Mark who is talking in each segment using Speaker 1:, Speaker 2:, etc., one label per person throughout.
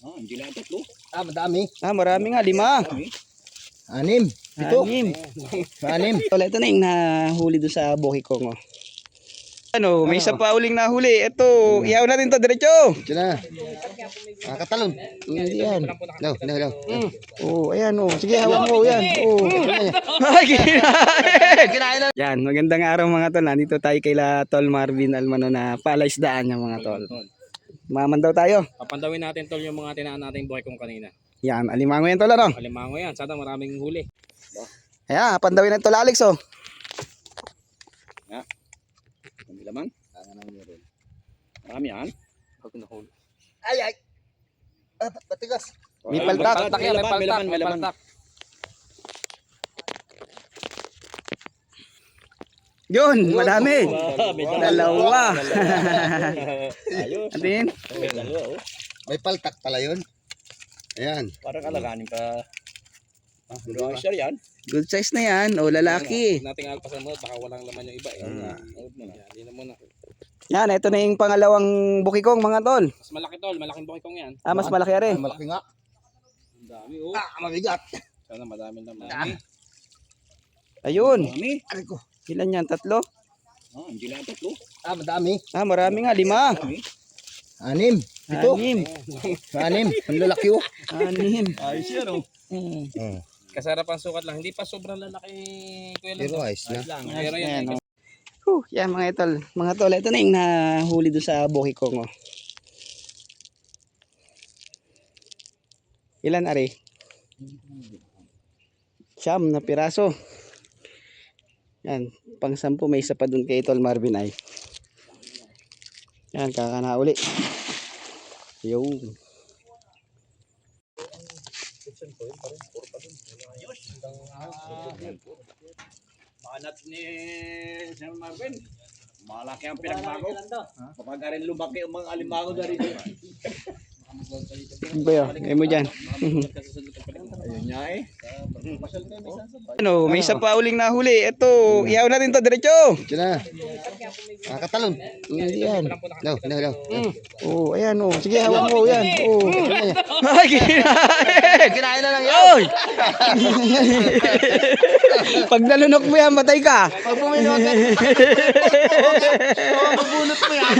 Speaker 1: Hindi lang tatlo.
Speaker 2: Madami.
Speaker 3: Marami nga, 5.
Speaker 2: 6. 7. 6.
Speaker 3: Wala, ito na yung nahuli doon sa Bukikong. Ano, may isa pa uling nahuli. Ito, ihaw natin to diretso.
Speaker 2: Ito na. Kakatalon.
Speaker 3: Hindi yan.
Speaker 2: No.
Speaker 3: Ayan sige, hawak mo yan. Ay, kinain na. Yan, magandang araw mga tol. Nandito tayo kay Tol Marvin Almano na palaisdaan yung mga tol. Mamandaw tayo.
Speaker 1: Papandawin natin tol yung mga tinaan nating buhay kong kanina.
Speaker 3: Yan, alimango yan tol, ano?
Speaker 1: Alimango yan. Sana maraming huli.
Speaker 3: Ayan, pandawin na tol Alex, oh.
Speaker 1: Hindi lamang. Marami yan.
Speaker 2: Ay. Batigas.
Speaker 3: May paltak.
Speaker 1: May paltak.
Speaker 3: Yun, madami. Dalawa.
Speaker 1: Ayos.
Speaker 3: Atin.
Speaker 2: May paltak pala yun. Ayan.
Speaker 1: Parang alaganin pa. Share yan.
Speaker 3: Good size na yan. O, lalaki.
Speaker 1: Nating alpasan mo. Baka walang laman yung iba. Hindi na muna.
Speaker 3: Yan, ito na yung pangalawang Bukikong mga tol.
Speaker 1: Mas malaki tol. Malaking buhay kong yan.
Speaker 3: Mas malaki rin.
Speaker 2: Malaki nga.
Speaker 1: Ang dami.
Speaker 2: Mabigat.
Speaker 1: Sana madami naman.
Speaker 3: Ayun.
Speaker 1: Marami.
Speaker 2: Aray ko.
Speaker 3: Ilan yan? 3?
Speaker 1: Hindi lang tatlo.
Speaker 2: Madami.
Speaker 3: Marami nga. 5.
Speaker 2: 6. 7. 6. Ang lalaki oh.
Speaker 3: 6.
Speaker 1: Ayos yan oh. Kasarapan sukat lang. Hindi pa sobrang lalaki.
Speaker 2: Pero ayos na.
Speaker 1: Pero yan.
Speaker 3: Yan mga tol. Mga tol, ito na yung nahuli doon sa Bukikong. Ilan ari? 9 na piraso. Yan, pang 10 may isa pa doon kay Tol Marvin ay. Yan, kakanauli. Yung.
Speaker 1: Manat ni Sir Marvin. Malaki ang pinagbago. Kapag rin lumaki ang mga alimango na rin.
Speaker 3: Ano ba yun? Ngayon mo dyan.
Speaker 1: Ayun niya eh.
Speaker 3: Ano, may isa pa uling nahuli. Ito, ihaw natin to diretso.
Speaker 2: Ito na. Kakatalon.
Speaker 3: Hindi yan.
Speaker 2: No.
Speaker 3: Ayan sige, hawak mo yan. Ay,
Speaker 2: Kinain na lang yan.
Speaker 3: Oy! Pag nalunok mo yan, matay ka.
Speaker 2: Pag puminot ka. Mabunot mo yan.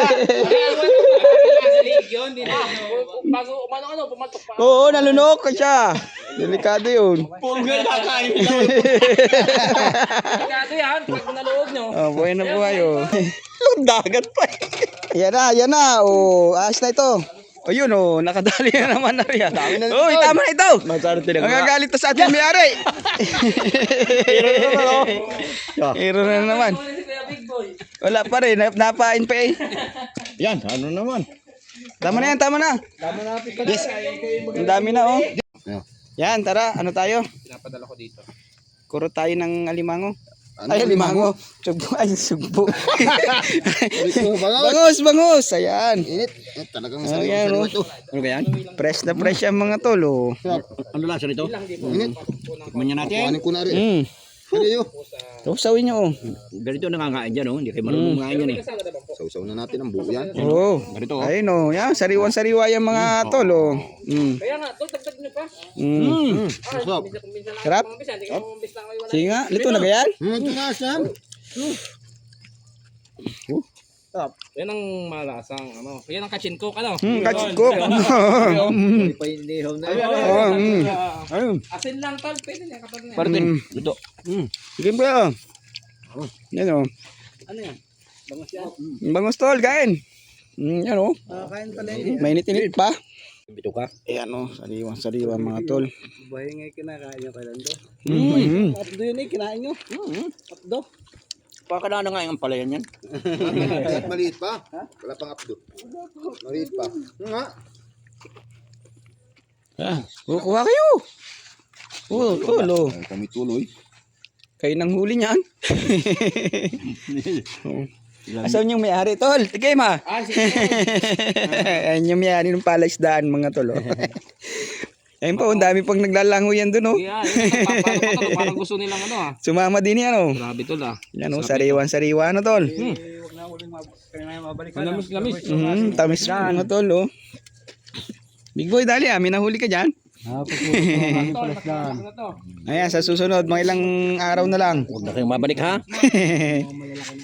Speaker 1: Bago umano pumatok pa.
Speaker 3: Oo, nalunok ka siya. Delikado yun.
Speaker 1: Punggal kakain. Delikado yan. Pag naloob nyo.
Speaker 3: Buhay na buhay dagat pa Yan na. Ayos na ito. Yun nakadali na naman na yan. Tama na ito. Magagalit to sa ating may-ari. Hero na naman. Wala pa rin. Napain pa eh.
Speaker 2: Yan, ano naman.
Speaker 3: Tama na yan, tama na. Yes. Ang dami na Yan, tara. Ano tayo?
Speaker 1: Pinapadala ko dito.
Speaker 3: Kuro tayo ng alimango. Alimango. Sugbo. Sugbo. Bangus. Ayan.
Speaker 2: Init. Talagang
Speaker 3: Ayan,
Speaker 2: sariwa ito.
Speaker 3: Ano ba yan? Fresh na fresh ang mga tol.
Speaker 2: Ano lasa nito? Init.
Speaker 1: Tikman niya natin.
Speaker 2: Kuhanin ko na rin. Ano
Speaker 3: Sawin nyo
Speaker 1: Ganito nangangain dyan Hindi kayo marunong ngain yan eh.
Speaker 2: Sausaw na natin ang buo yan.
Speaker 1: Ganito
Speaker 3: Ayun yan. Sariwan-sariwa yung mga tol
Speaker 1: Kaya nga, dagdag nyo pa.
Speaker 2: Sarap.
Speaker 3: Sarap? Sige nga, lito na ganyan?
Speaker 2: Ito nga, Sam.
Speaker 1: Yan ang malasang Yan ang kachin cook
Speaker 3: Kachikok. Ayun.
Speaker 1: Asin lang tol, pwede na kapag na.
Speaker 3: Partin.
Speaker 1: Ito.
Speaker 3: Sige ba? Yan
Speaker 1: Ano yan? Bangus yan.
Speaker 3: Bangus tol, kain. Yan
Speaker 1: Kain pala
Speaker 3: Mainit-init pa.
Speaker 1: Bito ka.
Speaker 3: Ayan sariwa mga tol.
Speaker 1: Buhay nga kinakain nyo kailan do. Patdo yun kinain nyo. Patdo. Pakadaan na nga yung palayan yan.
Speaker 2: Maliit pa. Wala pang updo. Maliit pa. Nga.
Speaker 3: Kuha kayo. Tol.
Speaker 2: Kami tuloy.
Speaker 3: Kayo nang huli niyan. Asan yung may-ari, tol? Tigay ma. Ayan yung may-ari ng palaisdaan, mga tol. Ayun po, ang dami pang naglalango yan dun.
Speaker 1: Parang gusto nilang
Speaker 3: Sumama din yan.
Speaker 1: Grabe tol
Speaker 3: Yan sariwan-sariwa na tol.
Speaker 1: Lamis.
Speaker 3: Tamis mga tol. Big boy, dali may nahuli ka dyan. Ayan, sa susunod, mga ilang araw na lang.
Speaker 1: Huwag na kayong mabalik ha.